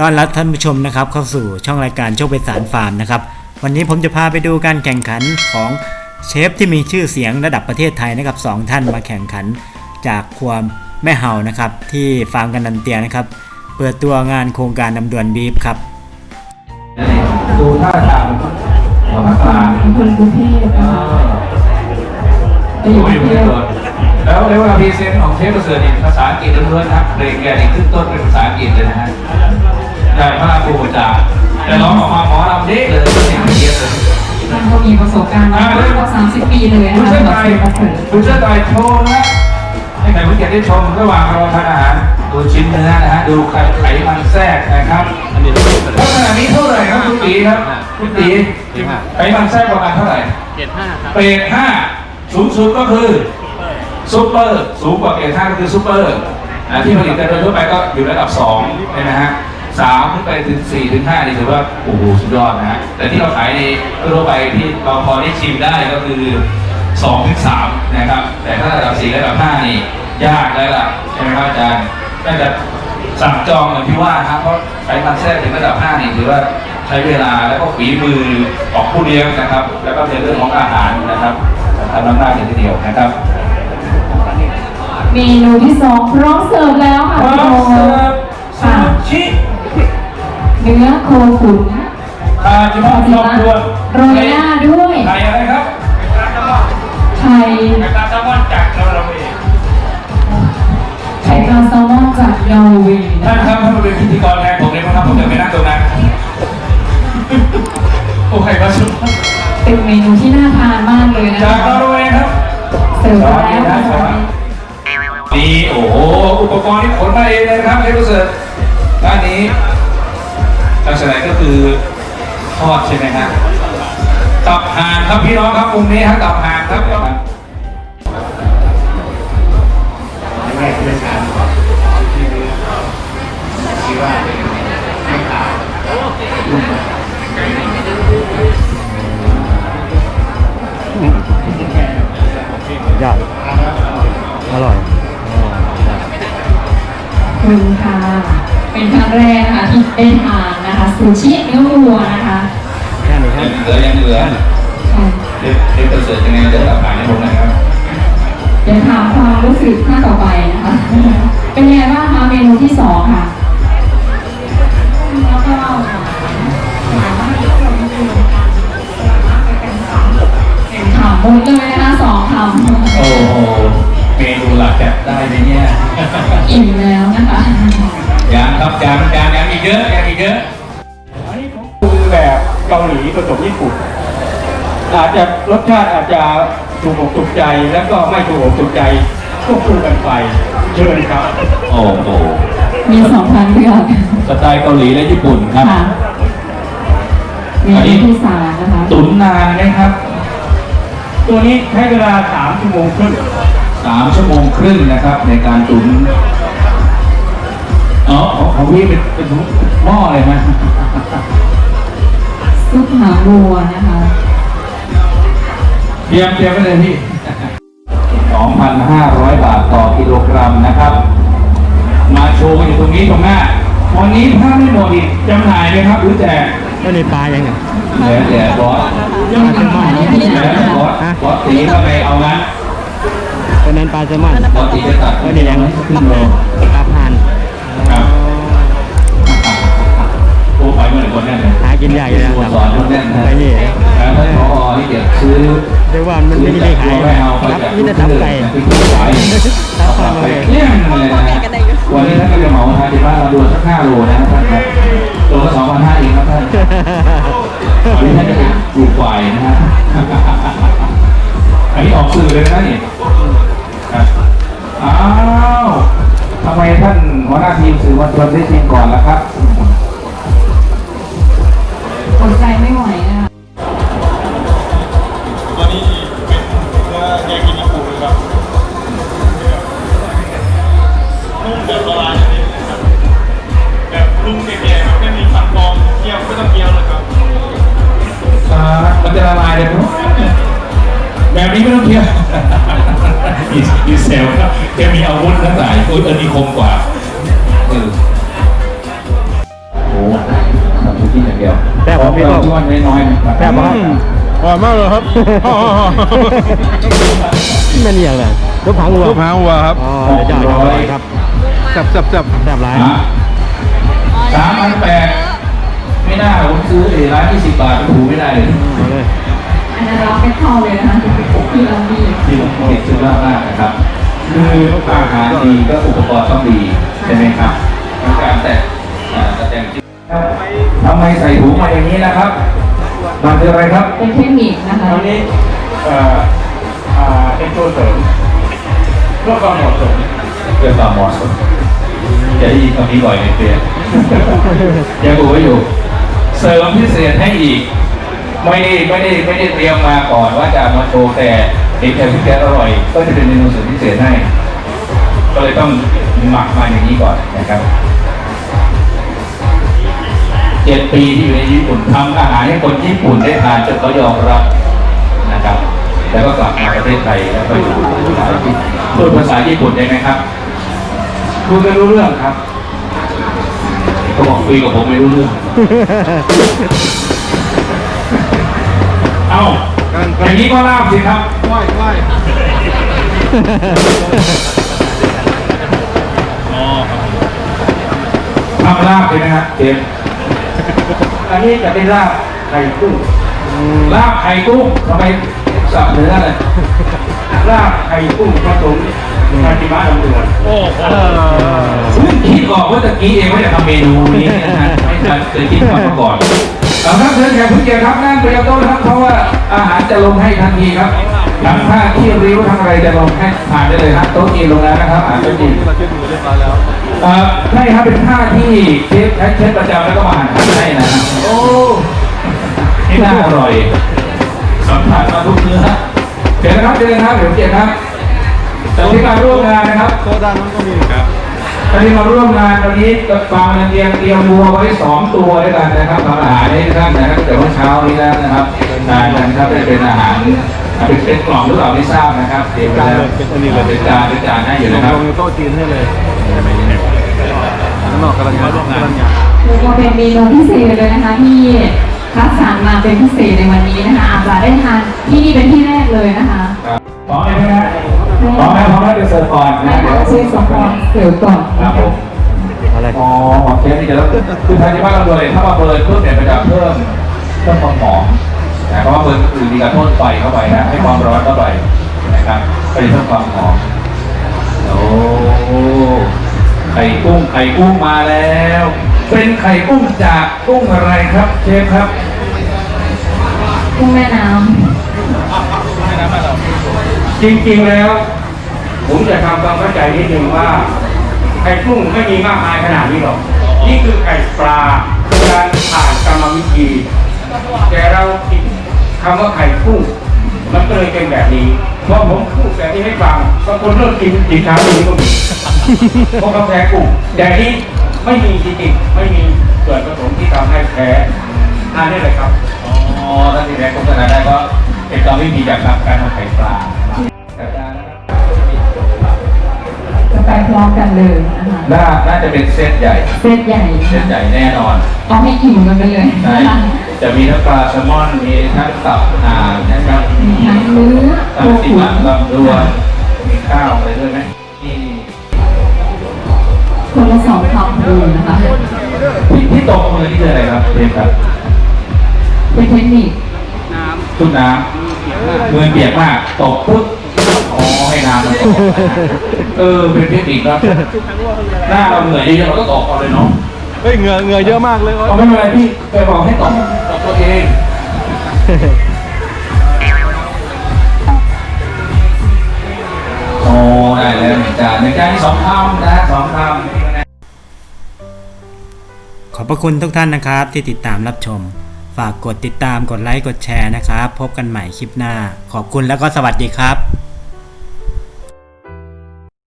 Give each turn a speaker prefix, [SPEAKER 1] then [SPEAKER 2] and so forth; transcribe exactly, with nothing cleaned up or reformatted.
[SPEAKER 1] ต้อนรับท่านผู้ชมนะครับเข้าสู่ช่องรายการโชคไพศาลฟาร์มนะครับวันนี้ผมจะพาไปดูการแข่งขันของเชฟที่มีชื่อเสียงระดับประเทศไทยนะครับสองท่านมาแข่งขันจากครัวแม่เห่านะครับที่ฟาร์มกันนันเตียนะครับเปิดตัวงานโครงการนำดวนบีฟครับ
[SPEAKER 2] ดูท่าทางของนักล่า
[SPEAKER 3] คนกรุงเทพ
[SPEAKER 2] ไปอยู่กรุงเทพแล้วเรียกว่าพรีเซนต์ของเชฟประเสริฐภาษาอังกฤษล้วนๆครับเพลงแกนี่ขึ้นต้นเป็นภาษาอังกฤษเลยนะฮะได้มากครูจ่าแต่ร้องออกมาหมอลำเด็กเลยเสียงเทียบเลย
[SPEAKER 3] ท่านก็มีประสบการณ์มาแล้วก็สามสิบปีเลยนะคะ
[SPEAKER 2] คุณเชื่อใจคุณเชื่อใจโชว์นะให้ใครผู้เกียรติได้ชมระหว่างเราทานอาหารดูชิ้นเนื้อนะฮะดูไข่มันแทรกนะครับลักษณะนี้เท่าไหร่ครับคุณตีครับคุณตีไข่มันแทรกประมาณเท่าไหร่
[SPEAKER 4] เกรดห้าครับ
[SPEAKER 2] เกรดห้าสูงสุดก็คือซุปเปอร์สูงกว่าเกรดห้าก็คือซุปเปอร์ที่ผลิตกันโดยทั่วไปก็อยู่ระดับสองนะฮะสามขึ้นไปถึงสี่ถึงห้านี่ถือว่าโอ้โหสุดยอดนะฮะแต่ที่เราขายในทั่วไปที่เราพอได้ชิมได้ก็คือสองถึงสามนะครับแต่ถ้าระดับสี่ระดับห้านี่ยากแล้วล่ะใช่ไหมครับอาจารย์น่าจะสั่งจองเหมือนที่ว่าครับเพราะไขมันแทรกถึงระดับห้านี่ถือว่าใช้เวลาแล้วก็ฝีมือของผู้เลี้ยงนะครับแล้วก็ในเรื่องของอาหารนะครับทำน้ำหน้าทีเดียวนะครับ
[SPEAKER 3] เมนูที่สองพร้อมเสิร์ฟแล้วค่ะ
[SPEAKER 2] พร้อมเสิร์ฟซูชิ
[SPEAKER 3] เนื้อโคขุน
[SPEAKER 2] ปลาจิมอนชอบดวน
[SPEAKER 3] โรยหน้าด้วย
[SPEAKER 2] ไข่อะไรครับ
[SPEAKER 3] ไข่
[SPEAKER 2] ไข่ปลาแซลมอนจากนอร์เวย์
[SPEAKER 3] ไข่ปลาแซลมอนจากนอร์เวย์
[SPEAKER 2] ท่านครับท่านเป็นพิธีกรแทนผมเลยนะครับผมจะไปนั่งตรงนั้นโอ้ไข่ปลาชุบ
[SPEAKER 3] เป็นเมนูที่น่าทานมากเลยนะคะ
[SPEAKER 2] จากนอร์เวย์ครับ
[SPEAKER 3] เสิร์ฟแล้ว
[SPEAKER 2] นี่โอ้โหอุปกรณ์ที่ขนมาเองเลยครับเชฟประเสริฐด้านนี้ลักษณะก็คือทอดใช่ไหมฮะตับห่านครับพี่น้องครับมุมนี้ฮะตับห่านครับแรกเป็นการที่คิดว่าไม่ขาด
[SPEAKER 1] ยอดอร่อย
[SPEAKER 3] คุณค่ะเป็นครั้งแรกนะคะที่ได้ทานนะคะซูชิเนื้อวัวนะคะ
[SPEAKER 1] แค่นี้ครับ
[SPEAKER 2] เหลือยังเหลือเด็กเด็กประเสริฐยังไงเดินตับห่านให้ผมหน่อยครับ
[SPEAKER 3] เดี๋ยวถามความรู้สึกข้าต่อไปนะคะเป็นยังไงบ้างคะเมนูที่สองค่ะแล้วก็ถามมุ้งเลยนะคะสองคำ
[SPEAKER 2] โอ้โหเมนูหลักแบบได้ไหมเนี่ย
[SPEAKER 3] อิ่มแล้วนะคะ
[SPEAKER 2] ยังครับยังยังยังอีกเยอะยังอีกเยอะอันนี้ผมปรุงแบบเกาหลีผสมญี่ปุ่นอาจจะรสชาติอาจจะถูกอกถูกใจแล้วก็ไม่ถูกอกถูกใจควบคู่กันไปเชิญครับโอ้โห
[SPEAKER 3] มีสองทางเลือก
[SPEAKER 2] สไตล์เกาหลีและญี่ปุ่นครับ
[SPEAKER 3] มีที่สามนะคะ
[SPEAKER 2] ตุ๋นนานไหมครับตัวนี้ใช้เวลาสามชั่วโมงครึ่งสามชั่วโมงครึ่งนะครับในการตุ๋นอ๋อของพี่เป็นเป็นหม้อเลยนะ
[SPEAKER 3] ซุปหางวัวนะคะ
[SPEAKER 2] เตรียมเตรียมไว้เลยพี่ สองพันห้าร้อย บาทต่อกิโลกรัมนะครับมาโชว์กันอยู่ตรงนี้ตรงหน้าวันนี้ถ้าไม่หมดอีกจำหน่ายเลยครับหรือแจก
[SPEAKER 1] ก็ในปลายังไง
[SPEAKER 2] เหลือเหลือบอส
[SPEAKER 3] ยังเป็นหม้อ
[SPEAKER 2] เหลือบอสบอสตีเข้าไปเอางั้น
[SPEAKER 1] ตอนนั้นปลาแซลมอน
[SPEAKER 2] บอสตีจะตัด
[SPEAKER 1] ก็เดี๋ยวยังขึ้นเลยปลาผ่าน
[SPEAKER 2] ครับโอ้ไปเมื่อไหร่คนแน่เลย
[SPEAKER 1] หากินใหญ่เลย
[SPEAKER 2] สอนคนแน่นนะ
[SPEAKER 1] ไปนี่
[SPEAKER 2] แล้วท่านผอที่เดี๋ยวซื้อ
[SPEAKER 1] เรียกว่ามันไม่ได้ขายรับนี่จะทับไก่ทับความเลย
[SPEAKER 2] เลี่ยงเลยนะวันนี้ท่านก็จะเหมาทานที่บ้านเราดูสักห้าโลนะท่านครับตัวละสองพันห้าเองครับท่านวันนี้ท่านจะเป็นปลูกควายนะฮะอันนี้ออกสื่อเลยนะนี่อ้าวทำไมท่านหัวหน้าทีมสื่อมวลชนได้ชิมก่อนล่ะครับ
[SPEAKER 3] อดใจไม่ไหวนะคะ
[SPEAKER 4] ตัวนี้เป็นเนื้อแยกินิคุนะครับนุ่มแบบละลายเลยนะครับแบบนุ่มแก่ๆไม่มีฟันปลอมเคี้ยวไม่ต้องเคี้ยวเลยครับ
[SPEAKER 2] มันจะละลายเลยแบบนี้ไม่ต้องเคี้ยวอีเซลครับแกมีอาวุธทั้งหลายโอ้ยอันนี้คมกว่าเออโอ้ผมกินอย่างเดียว
[SPEAKER 1] แซ่บครับพี่
[SPEAKER 2] พี่
[SPEAKER 1] ต้อม
[SPEAKER 2] ว่าน้อยๆนะครับ
[SPEAKER 1] แซ่บมาก
[SPEAKER 4] อร่อยมากเลยครับ
[SPEAKER 1] แม่นอย่างไรลูกหางวัว
[SPEAKER 4] ลูกหางวัวครับ
[SPEAKER 1] อ๋อเดี๋ยวจะเอาไปครับ
[SPEAKER 4] จับจับจับ
[SPEAKER 1] แซ่บร้าย
[SPEAKER 2] สามพันแปดไม่น่าผมซื้อไอ้ร้านยี่สิบบาทไปถูไม่ได้เลย
[SPEAKER 1] เอาเลย
[SPEAKER 3] อันนั้นเราไม่เข้าเลยนะคะที่เรามี
[SPEAKER 2] ที่ผมติดซื้อมากมากนะครับคืออาหารดีก็อุปกรณ์ต้องดีใช่ไหมครับการแต่แต่แต่งที่ทำไมใส่ถุงมาอย่างนี้นะครับมันคืออะไรครับ
[SPEAKER 3] เป็นเทคนิคนะคะ
[SPEAKER 2] ตอนนี้เอ่ออ่าเป็นตัวเสริมเพื่อความเหมาะสมเพื่อความเหมาะสมจะได้ยินคำนี้บ่อยในเปลี่ยนยังดูไว้อยู่ เสริมพิเศษให้อีก ไม่ได้ไม่ได้ไม่ได้เตรียมมาก่อนว่าจะมาโชว์แต่เห็นแค่พิเศษอร่อย ก็จะเป็นเมนูเสริมพิเศษให้ ก็เลยต้องหมักมาอย่างนี้ก่อนนะครับเจ็ดปีที่อยู่ในญี่ปุ่นทำอาหารให้คนญี่ปุ่นได้ทานจนเขายอมรับนะครับ แล้วก็กลับมาประเทศไทยแล้วก็อยู่พูดภาษาญี่ปุ่นได้ไหมครับคุยไม่รู้เรื่องครับเขาบอกคุยกับผมไม่รู้เรื่อง เอ้าอย่างนี้ก็ลาบสิครับ
[SPEAKER 4] ไหว้ไหว้
[SPEAKER 2] ทำลาบเลยนะฮะเจมส์อันนี้จะเป็นลาบไข่กุ้งลาบไข่กุ้งทำไมสับเนื้อเลยลาบไข่กุ้งผสมคาติมะลำดวน
[SPEAKER 4] โอ้โห
[SPEAKER 2] เพิ่งคิดออกว่าตะกี้เองว่าจะทำเมนูนี้นะฮะไม่ทันเคยคิดมาก่อนเอาครับเชิญแขกผู้เกียรติครับนั่งเตรียมโต๊ะนะครับเพราะว่าอาหารจะลงให้ทันทีครับทั้งผ้าที่ริ้วทั้งอะไรจะลงให้ผ่านได้เลยครับโต๊ะจีนลงแล้วนะครับอาหารโต๊ะจีน
[SPEAKER 4] เราเช็ดมือเรียบร้อยแล้ว
[SPEAKER 2] เอ่อใช่ครับเป็นผ้าที่เชฟใช้เชฟประจำแล้วก็มาหั่นหั่นให้นะฮะโอ้นี่น่าอร่อยสัมผัสมาทุกเนื้อเดี๋ยวนะครับเดี๋ยวนะครับเดี๋ยวเกียรติครับแต่ที่มาร่วมงานนะครับ
[SPEAKER 4] โซดานั้นก็มีครับ
[SPEAKER 2] ตอนนี้มาร่วมงานวันนี้กับฟาร์มเตรียมเตรียมวัวไว้สองตัวด้วยกันนะครับทำอาหารให้ท่านนะครับแต่ว่าเช้านี้แล้วนะครับงานนะครับเป็นอาหารเป็นเป็นกล่องหรือเปล่าไม่ทราบนะครับเตรียมไว้แล้วเป็นจานเป็นจานให้อยู่นะครับ
[SPEAKER 4] ลงโต๊ะจีนให้เลยข้างนอกกำลังงานกำลังงาน
[SPEAKER 3] เรียกว่าเป็นเมนูพิเศษเลยนะคะที่คัดสรรมาเป็นพิเศษในวันนี้นะคะอาจจะได้ทานที่นี่เป็นที่แรกเลยนะคะ
[SPEAKER 2] พร้อมไหมครับพร้อมไหมพร้อมแล้วเดี๋ยวเสิร์ฟก่อน
[SPEAKER 3] แม่
[SPEAKER 2] นะเดี๋
[SPEAKER 3] ค้า
[SPEAKER 2] ยว
[SPEAKER 3] ช่วยสปอนเสิร์ฟก่อน
[SPEAKER 2] ครับผม
[SPEAKER 1] อะไร
[SPEAKER 2] อ๋อเชฟนี่จะต้องคือทางที่บ้านเราเลยถ้ามาเบิร์นเพิ่มเนี่ยมันจะเพิ่มเพิ่มความหอมนะเพราะว่าเบิร์นคือมีการพ่นไฟเข้าไปนะให้ความร้อนเข้าไปนะครับก็จะเพิ่มความหอมโอ้ไข่กุ้งไข่กุ้งมาแล้ว เป็นไข่กุ้งจากกุ้งอะไรครับเชฟครับ
[SPEAKER 3] กุ้งแม่น้
[SPEAKER 5] จริงๆแล้ว ผมจะทำความเข้าใจนิดนึงว่าไข่กุ้งไม่มีมากมายขนาดนี้หรอก นี่คือไข่ปลาการผ่านกรรมวิธี แต่เราคิดคำว่าไข่กุ้ง มันก็เลยเป็นแบบนี้พอผมพูดแบบนี้ให้ฟังบางคนเริ่มกินอีกครั้งนี้ก็มีเพราะกาแฟกุ้งแต่นี้ไม่มีจริงๆไม่มีส่วนผสมที่ทำให้แพ้ทานได้เลยครับ
[SPEAKER 2] อ๋อท่านที่แรกโฆษณาได้ก็เป็นกรรมวิธีจากการทำไข่ปลาจัดการนะครับ
[SPEAKER 3] ำจะไปพร้อมกันเลยนะคะ
[SPEAKER 2] น่าน่าจะเป็นเซตใหญ่
[SPEAKER 3] เซตใหญ่
[SPEAKER 2] เซตใหญ่แน่นอน
[SPEAKER 3] เอาให้อิ่มกันไปเลย
[SPEAKER 2] ใช่
[SPEAKER 3] นะคะ
[SPEAKER 2] จะมีทั้งปลาแซลมอน มีทั้งตับห่านนะครับ
[SPEAKER 3] มีทั้งเนื้อ
[SPEAKER 2] ตั
[SPEAKER 3] โค
[SPEAKER 2] บติ
[SPEAKER 3] ขุ
[SPEAKER 2] มัน
[SPEAKER 3] น
[SPEAKER 2] ลำดวนมีข้าวอะไรด้วยไหมนี่
[SPEAKER 3] คนละสองคำเลยนะคะ
[SPEAKER 2] ที่ที่ตกมือนี่คืออะไรครับเรียนครับ
[SPEAKER 3] เป็นเทคนิค
[SPEAKER 2] ชุดน้ำมือเปียกมากตกปุ๊บอ๋อให้น้ำมันตกเออเป็นเทคนิคครับหน้าเราเหนื่อยเยอะๆเราก็ตกก่อนเลยเนาะ
[SPEAKER 4] เฮ้ยเหงื่อเหงื่อเยอะมากเลย
[SPEAKER 2] เอาไม่เป็นไรพี่ไปบอกให้ตอบตอบตัวเองโอ้ได้แล้วหนึ่งจานหนึ่งจานที่สองคำนะสองคำ
[SPEAKER 1] ขอบพระคุณทุกท่านนะครับที่ติดตามรับชม ฝากกดติดตามกดไลค์กดแชร์นะครับ พบกันใหม่คลิปหน้า ขอบคุณแล้วก็สวัสดีครับ